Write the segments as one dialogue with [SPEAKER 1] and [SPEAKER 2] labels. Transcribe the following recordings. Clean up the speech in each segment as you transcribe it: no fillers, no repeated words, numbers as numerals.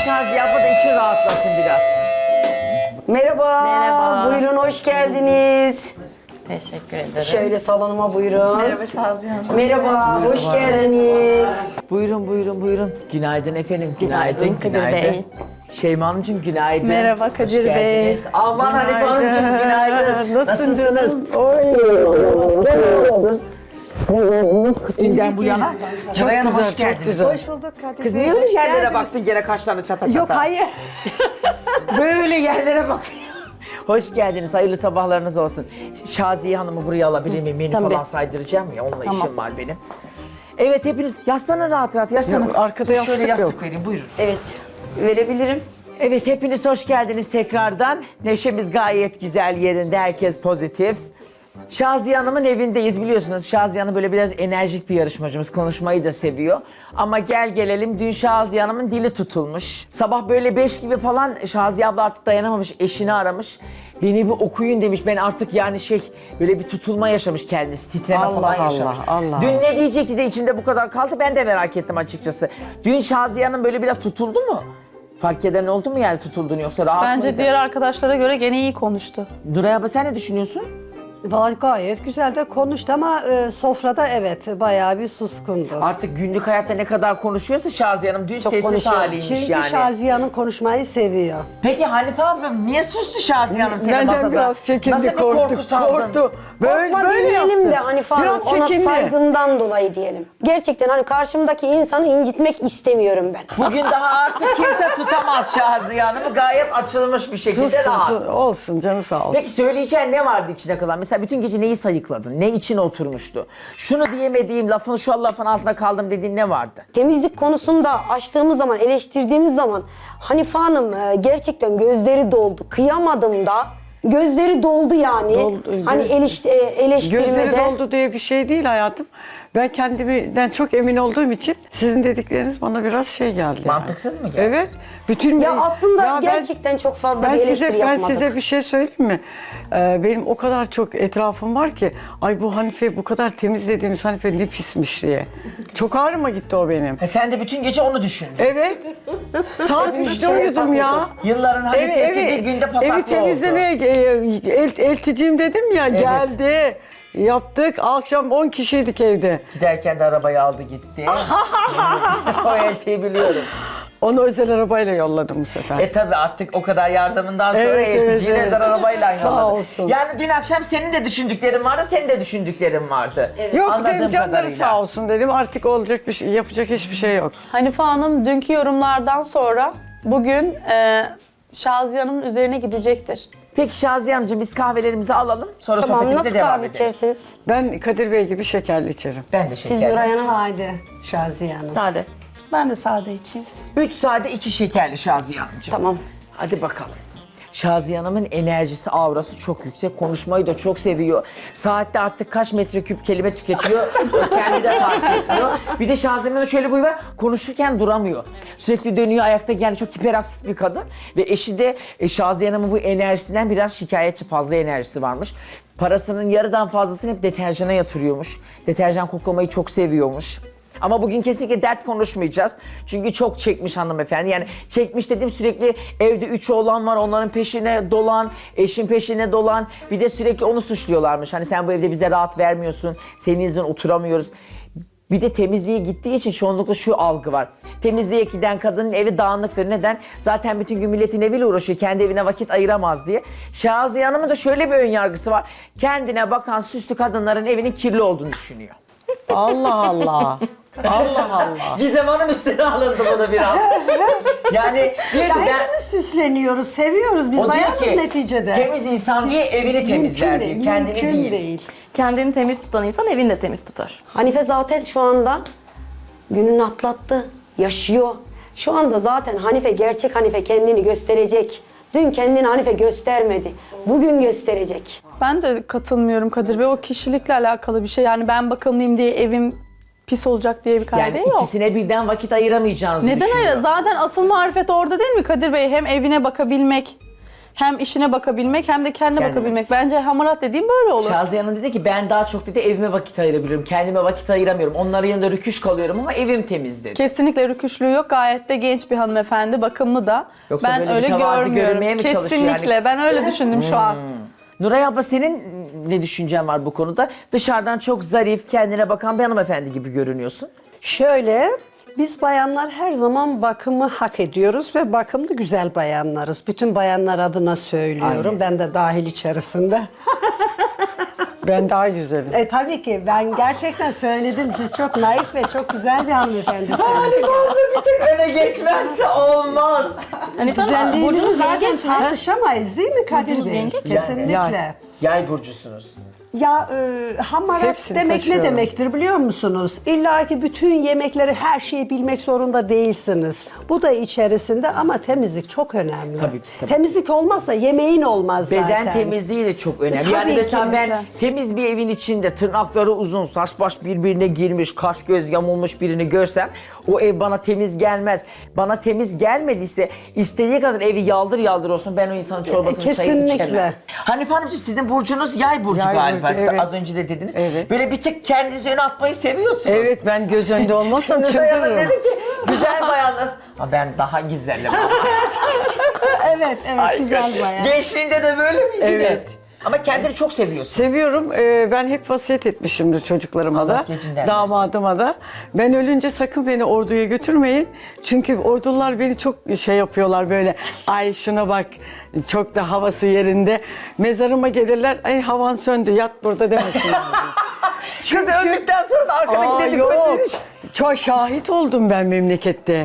[SPEAKER 1] Şaziye abla da için rahatlasın biraz.
[SPEAKER 2] Merhaba.
[SPEAKER 3] Merhaba.
[SPEAKER 2] Buyurun hoş geldiniz.
[SPEAKER 3] Teşekkür ederim.
[SPEAKER 2] Şöyle salonuma buyurun.
[SPEAKER 3] Merhaba Şaziye Hanım.
[SPEAKER 2] Merhaba, hoş geldiniz.
[SPEAKER 1] Buyurun buyurun buyurun. Günaydın efendim. Günaydın.
[SPEAKER 3] Kadir Bey.
[SPEAKER 1] Şeyma Hanımcığım günaydın.
[SPEAKER 4] Merhaba
[SPEAKER 1] Hoş
[SPEAKER 4] Kadir Bey.
[SPEAKER 1] geldiniz. Aman Hanife Hanımcığım günaydın. Nasılsınız? Nasılsın? Dünden bu yana. Nuray Hanım hoş geldiniz.
[SPEAKER 4] Hoş bulduk Kadir
[SPEAKER 1] Kız
[SPEAKER 4] Bey.
[SPEAKER 1] niye öyle
[SPEAKER 4] Hoş
[SPEAKER 1] yerlere
[SPEAKER 4] geldiniz.
[SPEAKER 1] baktın gene kaşlarını çata çata?
[SPEAKER 4] Yok hayır.
[SPEAKER 1] Böyle yerlere bak. Hoş geldiniz. Hayırlı sabahlarınız olsun. Şaziye Hanım'ı buraya alabilir miyim? Menü
[SPEAKER 2] Tabii.
[SPEAKER 1] falan saydıracağım ya. Onunla işim var benim. Evet hepiniz yaslanın rahat rahat yaslanın.
[SPEAKER 4] Yok, arkada
[SPEAKER 1] Dur, şöyle
[SPEAKER 4] yastık
[SPEAKER 1] yastık vereyim buyurun.
[SPEAKER 2] Evet, verebilirim.
[SPEAKER 1] Evet hepiniz hoş geldiniz tekrardan. Neşemiz gayet güzel yerinde. Herkes pozitif. Şaziye Hanım'ın evindeyiz biliyorsunuz. Şaziye Hanım böyle biraz enerjik bir yarışmacımız. Konuşmayı da seviyor. Ama gel gelelim dün Şaziye Hanım'ın dili tutulmuş. Sabah böyle 5 gibi falan Şaziye abla artık dayanamamış. Eşini aramış. Beni bir okuyun demiş. Ben artık yani böyle bir tutulma yaşamış kendisi. Titreme
[SPEAKER 4] Allah
[SPEAKER 1] falan
[SPEAKER 4] Allah,
[SPEAKER 1] yaşamış.
[SPEAKER 4] Allah.
[SPEAKER 1] Dün ne diyecekti de içinde bu kadar kaldı ben de merak ettim açıkçası. Dün Şaziye Hanım böyle biraz tutuldu mu? Fark eden oldu mu yani tutulduğunu yoksa rahat
[SPEAKER 5] Bence
[SPEAKER 1] mıydı?
[SPEAKER 5] diğer arkadaşlara göre gene iyi konuştu.
[SPEAKER 1] Nuray abla sen ne düşünüyorsun?
[SPEAKER 4] Vallahi gayet güzel de konuştu ama sofrada evet bayağı bir suskundu.
[SPEAKER 1] Artık günlük hayatta ne kadar konuşuyorsa Şaziye Hanım dün sessiz
[SPEAKER 2] konuşuyor.
[SPEAKER 1] haliymiş
[SPEAKER 4] Çünkü
[SPEAKER 1] yani.
[SPEAKER 4] Şaziye Hanım konuşmayı seviyor.
[SPEAKER 1] Peki Hanife ablam niye sustu Şaziye Hanım senin
[SPEAKER 6] Benden
[SPEAKER 1] masada?
[SPEAKER 6] biraz çekindi,
[SPEAKER 1] Nasıl bir
[SPEAKER 6] korktu,
[SPEAKER 1] korku saldın?
[SPEAKER 6] korktu.
[SPEAKER 2] Korkma
[SPEAKER 6] Böyle
[SPEAKER 2] demeyelim
[SPEAKER 6] yaptı.
[SPEAKER 2] de Hanife Hanım,
[SPEAKER 6] Biraz
[SPEAKER 2] ona
[SPEAKER 6] çekindi.
[SPEAKER 2] saygımdan dolayı diyelim. Gerçekten hani karşımdaki insanı incitmek istemiyorum ben.
[SPEAKER 1] Bugün daha artık kimse tutamaz Şaziye Hanım'ı. Gayet açılmış bir şekilde
[SPEAKER 6] Tutsun,
[SPEAKER 1] rahat.
[SPEAKER 6] olsun canı sağ olsun.
[SPEAKER 1] Peki söyleyeceğin ne vardı içine kalan? Mesela bütün gece neyi sayıkladın? Ne içine oturmuştu? Şunu diyemediğim lafın şu lafın altında kaldım dediğin ne vardı?
[SPEAKER 2] Temizlik konusunda açtığımız zaman, eleştirdiğimiz zaman Hanife Hanım gerçekten gözleri doldu. Kıyamadım da. Gözleri doldu yani.
[SPEAKER 6] Doldu,
[SPEAKER 2] Hani eleştirmede.
[SPEAKER 6] Gözleri doldu diye bir şey değil hayatım. Ben kendimden çok emin olduğum için sizin dedikleriniz bana biraz şey geldi. yani.
[SPEAKER 1] Mantıksız mı geldi?
[SPEAKER 6] Evet. Bütün
[SPEAKER 2] Ya aslında
[SPEAKER 6] Ya
[SPEAKER 2] gerçekten çok fazla
[SPEAKER 6] ben
[SPEAKER 2] bir eleştiri
[SPEAKER 6] ben
[SPEAKER 2] yapmadık.
[SPEAKER 6] size bir şey söyleyeyim mi? Benim o kadar çok etrafım var ki ay bu Hanife bu kadar temizlediğimiz Hanife ne pismiş diye. Çok ağrıma gitti o benim.
[SPEAKER 1] Sen de bütün gece onu düşündün.
[SPEAKER 6] Evet. Saat 3'te uyudum ya.
[SPEAKER 1] Yılların Hanife'si bir günde pasaklı
[SPEAKER 6] evi
[SPEAKER 1] oldu.
[SPEAKER 6] temizlemeye elticiyim dedim ya geldi. Yaptık. Akşam 10 kişiydik evde.
[SPEAKER 1] Giderken de arabayı aldı gitti. O eltiyi biliyorum.
[SPEAKER 6] Onu özel arabayla yolladım bu sefer.
[SPEAKER 1] Tabi artık o kadar yardımından sonra
[SPEAKER 6] Evet,
[SPEAKER 1] elticiyi
[SPEAKER 6] evet,
[SPEAKER 1] özel arabayla
[SPEAKER 6] Sağ
[SPEAKER 1] yolladı.
[SPEAKER 6] olsun.
[SPEAKER 1] Yani dün akşam senin de düşündüklerin vardı, senin de düşündüklerin vardı.
[SPEAKER 6] Yok
[SPEAKER 1] Anladığım
[SPEAKER 6] dedim canları
[SPEAKER 1] kadarıyla.
[SPEAKER 6] sağ olsun dedim. Artık olacak bir şey, yapacak hiçbir şey yok.
[SPEAKER 5] Hanife Hanım dünkü yorumlardan sonra bugün Şaziye Hanım'ın üzerine gidecektir.
[SPEAKER 1] Peki Şaziye Hanımcığım biz kahvelerimizi alalım. Sonra
[SPEAKER 2] Tamam,
[SPEAKER 1] sohbetimize
[SPEAKER 2] nasıl
[SPEAKER 1] devam
[SPEAKER 2] kahve
[SPEAKER 1] edelim.
[SPEAKER 2] içersiniz?
[SPEAKER 6] Ben Kadir Bey gibi şekerli içerim.
[SPEAKER 1] Ben de
[SPEAKER 2] Siz
[SPEAKER 1] şekerli.
[SPEAKER 2] Nuray Hanım.
[SPEAKER 4] Haydi Şaziye Hanım.
[SPEAKER 3] Sade.
[SPEAKER 5] Ben de sade içeyim.
[SPEAKER 1] 3 sade 2 şekerli Şaziye Hanımcığım.
[SPEAKER 2] Tamam.
[SPEAKER 1] Hadi bakalım. Şaziye Hanım'ın enerjisi, aurası çok yüksek. Konuşmayı da çok seviyor. Saatte artık kaç metreküp kelime tüketiyor. Kendi de fark etmiyor. Bir de Şaziye Hanım'ın şöyle bir huyu var. Konuşurken duramıyor. Sürekli dönüyor ayakta. Yani çok hiperaktif bir kadın. Ve eşi de Şaziye Hanım'ın bu enerjisinden biraz şikayetçi. Fazla enerjisi varmış. Parasının yarıdan fazlasını hep deterjana yatırıyormuş. Deterjan koklamayı çok seviyormuş. Ama bugün kesinlikle dert konuşmayacağız. Çünkü çok çekmiş hanımefendi. Yani çekmiş dediğim sürekli evde 3 oğlan var. Onların peşine dolan, eşin peşine dolan. Bir de sürekli onu suçluyorlarmış. Hani sen bu evde bize rahat vermiyorsun. Senin yüzünden oturamıyoruz. Bir de temizliğe gittiği için çoğunlukla şu algı var. Temizliğe giden kadının evi dağınıktır. Neden? Zaten bütün gün milletin eviyle uğraşıyor. Kendi evine vakit ayıramaz diye. Şaziye Hanım'ın da şöyle bir ön yargısı var. Kendine bakan süslü kadınların evinin kirli olduğunu düşünüyor.
[SPEAKER 6] Allah Allah. Allah Allah.
[SPEAKER 1] Gizem Hanım üstüne alındı bunu biraz. Yani diyor ki ben...
[SPEAKER 4] Hepimiz süsleniyoruz, seviyoruz. Biz
[SPEAKER 1] O diyor
[SPEAKER 4] bayanız
[SPEAKER 1] ki
[SPEAKER 4] neticede.
[SPEAKER 1] temiz insan diye evini temizler diyor. Kendini
[SPEAKER 4] mümkün
[SPEAKER 1] değil.
[SPEAKER 3] Kendini temiz tutan insan evini de temiz tutar.
[SPEAKER 2] Hanife zaten şu anda gününü atlattı, yaşıyor. Şu anda zaten Hanife, gerçek Hanife kendini gösterecek. Dün kendini Hanife göstermedi. Bugün gösterecek.
[SPEAKER 5] Ben de katılmıyorum Kadir Bey. O kişilikle alakalı bir şey. Yani ben bakımlıyım diye evim pis olacak diye bir kaide
[SPEAKER 1] Yani
[SPEAKER 5] yok.
[SPEAKER 1] ikisine birden vakit ayıramayacağınızı
[SPEAKER 5] Neden
[SPEAKER 1] düşünüyor.
[SPEAKER 5] öyle? Zaten asıl marifet orada değil mi Kadir Bey? Hem evine bakabilmek, hem işine bakabilmek hem de kendine
[SPEAKER 1] Kendine.
[SPEAKER 5] bakabilmek. Bence hamarat dediğim böyle olur.
[SPEAKER 1] Şaziye Hanım dedi ki ben daha çok dedi evime vakit ayırabiliyorum. Kendime vakit ayıramıyorum. Onların yanında rüküş kalıyorum ama evim temiz dedi.
[SPEAKER 5] Kesinlikle rüküşlüğü yok. Gayet de genç bir hanımefendi, bakımlı da.
[SPEAKER 1] Yoksa
[SPEAKER 5] ben
[SPEAKER 1] böyle
[SPEAKER 5] öyle
[SPEAKER 1] mütevazi
[SPEAKER 5] görmüyorum.
[SPEAKER 1] görünmeye mi çalışıyor
[SPEAKER 5] Kesinlikle.
[SPEAKER 1] yani?
[SPEAKER 5] Ben öyle düşündüm şu an.
[SPEAKER 1] Nuray abla senin ne düşüncen var bu konuda? Dışarıdan çok zarif, kendine bakan bir hanımefendi gibi görünüyorsun.
[SPEAKER 4] Şöyle, biz bayanlar her zaman bakımı hak ediyoruz ve bakımlı güzel bayanlarız. Bütün bayanlar adına söylüyorum. Ben de dahil içerisinde.
[SPEAKER 6] Ben daha güzelim.
[SPEAKER 4] Tabii ki ben gerçekten söyledim. Siz çok naif ve çok güzel bir hanımefendisiniz.
[SPEAKER 1] bir tık öne geçmezse olmaz.
[SPEAKER 3] Hanife Hanım,
[SPEAKER 4] Güzelliğinizi
[SPEAKER 3] burcunuz
[SPEAKER 4] zaten
[SPEAKER 3] yengeç mi?
[SPEAKER 4] tartışamayız değil mi Kadir
[SPEAKER 3] Burcunuz
[SPEAKER 4] Bey?
[SPEAKER 3] yengeç mi?
[SPEAKER 4] Kesinlikle.
[SPEAKER 6] Yani.
[SPEAKER 1] Yay burcusunuz.
[SPEAKER 4] Ya hamarat
[SPEAKER 6] Hepsini
[SPEAKER 4] demek
[SPEAKER 6] taşıyorum.
[SPEAKER 4] ne demektir biliyor musunuz? İlla ki bütün yemekleri, her şeyi bilmek zorunda değilsiniz. Bu da içerisinde ama temizlik çok önemli.
[SPEAKER 1] Tabii ki, tabii.
[SPEAKER 4] Temizlik olmazsa yemeğin olmaz zaten.
[SPEAKER 1] Beden temizliği de çok önemli.
[SPEAKER 4] Tabii
[SPEAKER 1] Yani mesela
[SPEAKER 4] ki.
[SPEAKER 1] ben temiz bir evin içinde tırnakları uzun, saç baş birbirine girmiş, kaş göz yamulmuş birini görsem o ev bana temiz gelmez. Bana temiz gelmediyse istediği kadar evi yaldır yaldır olsun ben o insanın çorbasını çayını içemem.
[SPEAKER 4] kesinlikle.
[SPEAKER 1] Hanife Hanımcığım sizin burcunuz yay burcu
[SPEAKER 6] Yay
[SPEAKER 1] galiba.
[SPEAKER 6] burcu, evet.
[SPEAKER 1] Az önce de dediniz.
[SPEAKER 6] Evet.
[SPEAKER 1] Böyle bir tık kendinizi öne atmayı seviyorsunuz.
[SPEAKER 6] Evet, ben göz önünde olmazsam
[SPEAKER 1] Nuray Hanım
[SPEAKER 6] çıldırırım.
[SPEAKER 1] dedi ki güzel bayanlar. Ha, ben daha güzelim ama.
[SPEAKER 4] Evet, güzel bayan.
[SPEAKER 1] Gençliğinde de böyle miydi?
[SPEAKER 6] Evet.
[SPEAKER 1] Ama kendini çok seviyorsun.
[SPEAKER 6] Seviyorum. Ben hep vasiyet etmişimdir çocuklarıma
[SPEAKER 1] Allah
[SPEAKER 6] da,
[SPEAKER 1] gecinden
[SPEAKER 6] damadıma da. Ben ölünce sakın beni orduya götürmeyin. Çünkü ordular beni çok şey yapıyorlar böyle. Ay şuna bak, çok da havası yerinde. Mezarıma gelirler, ay havan söndü, yat burada demesinler.
[SPEAKER 1] Kız öldükten sonra da arkadaki dedikodu.
[SPEAKER 6] Çok şahit oldum ben memlekette.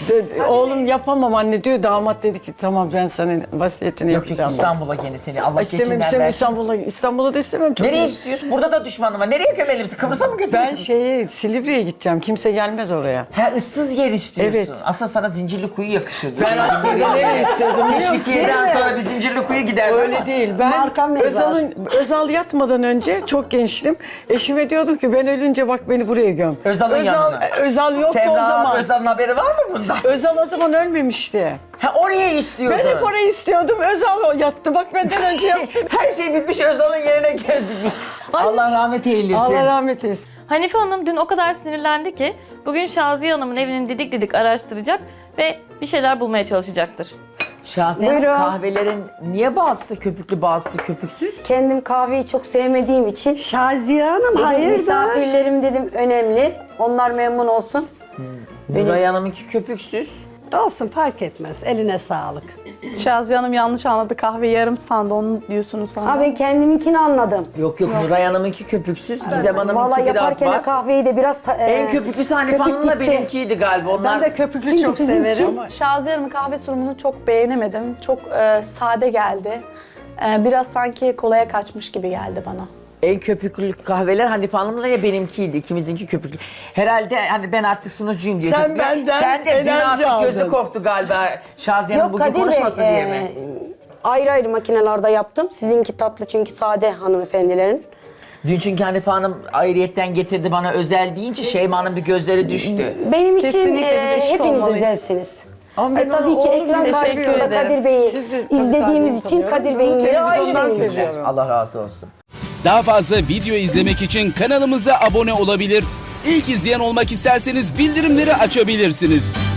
[SPEAKER 6] Oğlum yapamam anne diyor. Damat dedi ki tamam ben senin vasiyetini
[SPEAKER 1] Yok yok
[SPEAKER 6] yapacağım.
[SPEAKER 1] İstanbul'a gene seni. Allah
[SPEAKER 6] İstemem,
[SPEAKER 1] geçinden
[SPEAKER 6] istemem
[SPEAKER 1] versin.
[SPEAKER 6] İstanbul'a da istemem. Çok
[SPEAKER 1] Nereye
[SPEAKER 6] iyi.
[SPEAKER 1] istiyorsun? Burada da düşmanım var. Nereye gömelim misin? Kıbrıs'a mı götürelim?
[SPEAKER 6] Ben Silivri'ye gideceğim. Kimse gelmez oraya.
[SPEAKER 1] Ha ıssız yer istiyorsun.
[SPEAKER 6] Evet.
[SPEAKER 1] Aslında sana Zincirlikuyu yakışır.
[SPEAKER 6] Ben aslında nereye istiyordum biliyor musun?
[SPEAKER 1] Teşvikiye'den sonra bir Zincirlikuyu gider.
[SPEAKER 6] Öyle değil. Ben
[SPEAKER 4] Marka mezar.
[SPEAKER 6] Özal yatmadan önce çok gençtim. Eşime diyordum ki ben ölünce bak beni buraya göm.
[SPEAKER 1] Özal'ın yanına.
[SPEAKER 6] Özal yoktu o
[SPEAKER 1] Semra
[SPEAKER 6] zaman.
[SPEAKER 1] Özal'ın haberi var mı bundan?
[SPEAKER 6] Özal o zaman ölmemişti.
[SPEAKER 1] Ha oraya istiyordun.
[SPEAKER 6] Ben hep orayı istiyordum. Özal yattı. Bak benden önce yaptı.
[SPEAKER 1] Her şey bitmiş Özal'ın yerine göz dikmiş. Allah rahmet eylesin.
[SPEAKER 6] Allah rahmet eylesin.
[SPEAKER 3] Hanife Hanım dün o kadar sinirlendi ki bugün Şaziye Hanım'ın evini didik didik araştıracak ve bir şeyler bulmaya çalışacaktır.
[SPEAKER 1] Şahsen
[SPEAKER 2] Buyurun.
[SPEAKER 1] kahvelerin niye bazısı köpüklü bazısı köpüksüz?
[SPEAKER 2] Kendim kahveyi çok sevmediğim için
[SPEAKER 4] Şaziye Hanım
[SPEAKER 2] dedim,
[SPEAKER 4] hayırdır?
[SPEAKER 2] misafirlerim dedim önemli. Onlar memnun olsun.
[SPEAKER 1] Nuray Hanım'ınki köpüksüz.
[SPEAKER 4] Olsun fark etmez. Eline sağlık.
[SPEAKER 5] Şaziye Hanım yanlış anladı. Kahve yarım sandı. Onu diyorsunuz sandım.
[SPEAKER 2] Ha ben kendiminkini anladım.
[SPEAKER 1] Yok Nuray Hanım'ınki köpüksüz. Gizem
[SPEAKER 2] Vallahi
[SPEAKER 1] Hanım'ınki biraz
[SPEAKER 2] yaparken de
[SPEAKER 1] var.
[SPEAKER 2] kahveyi de biraz...
[SPEAKER 1] En köpüklüsü Hanife
[SPEAKER 2] köpük
[SPEAKER 1] Hanım'la
[SPEAKER 2] gitti.
[SPEAKER 1] benimkiydi galiba. Onlar
[SPEAKER 4] Ben de köpüklü
[SPEAKER 2] Çünkü
[SPEAKER 4] çok
[SPEAKER 2] sizinki-
[SPEAKER 4] severim.
[SPEAKER 5] Şaziye Hanım'ın kahve sunumunu çok beğenemedim. Çok sade geldi. Biraz sanki kolaya kaçmış gibi geldi bana.
[SPEAKER 1] en köpüklü kahveler Hanife Hanım'la ya benimkiydi. İkimizinki köpüklü. Herhalde hani ben artık sunucuyum diye.
[SPEAKER 6] Sen
[SPEAKER 1] köpükler.
[SPEAKER 6] benden
[SPEAKER 1] Sen de dün
[SPEAKER 6] enerji
[SPEAKER 1] artık gözü
[SPEAKER 6] aldın.
[SPEAKER 1] korktu galiba. Şaziye Hanım
[SPEAKER 2] Yok
[SPEAKER 1] bugün
[SPEAKER 2] Kadir Bey,
[SPEAKER 1] konuşmasın diye mi?
[SPEAKER 2] ayrı ayrı makinelerde yaptım. Sizinki tatlı çünkü sade hanımefendilerin.
[SPEAKER 1] Dün çünkü Hanife Hanım ayrıyetten getirdi bana özel deyince Şeyma'nın bir gözleri düştü.
[SPEAKER 2] Benim için
[SPEAKER 5] Kesinlikle biz eşit
[SPEAKER 2] hepiniz
[SPEAKER 5] olmalıyız.
[SPEAKER 2] özelsiniz.
[SPEAKER 6] Ama ben
[SPEAKER 2] Tabii
[SPEAKER 6] onu
[SPEAKER 2] ki
[SPEAKER 6] oğlum
[SPEAKER 2] ekran
[SPEAKER 6] teşekkür
[SPEAKER 2] karşısında
[SPEAKER 5] ederim.
[SPEAKER 2] Kadir Bey'i
[SPEAKER 6] Siz de tabii
[SPEAKER 2] izlediğimiz
[SPEAKER 6] tabii
[SPEAKER 2] için
[SPEAKER 6] tanıyorum.
[SPEAKER 2] Kadir Bey'in yeri ayrı
[SPEAKER 6] Televizyondan
[SPEAKER 2] benim için.
[SPEAKER 6] seviyorum.
[SPEAKER 1] Allah razı olsun.
[SPEAKER 7] Daha fazla video izlemek için kanalımıza abone olabilir. İlk izleyen olmak isterseniz bildirimleri açabilirsiniz.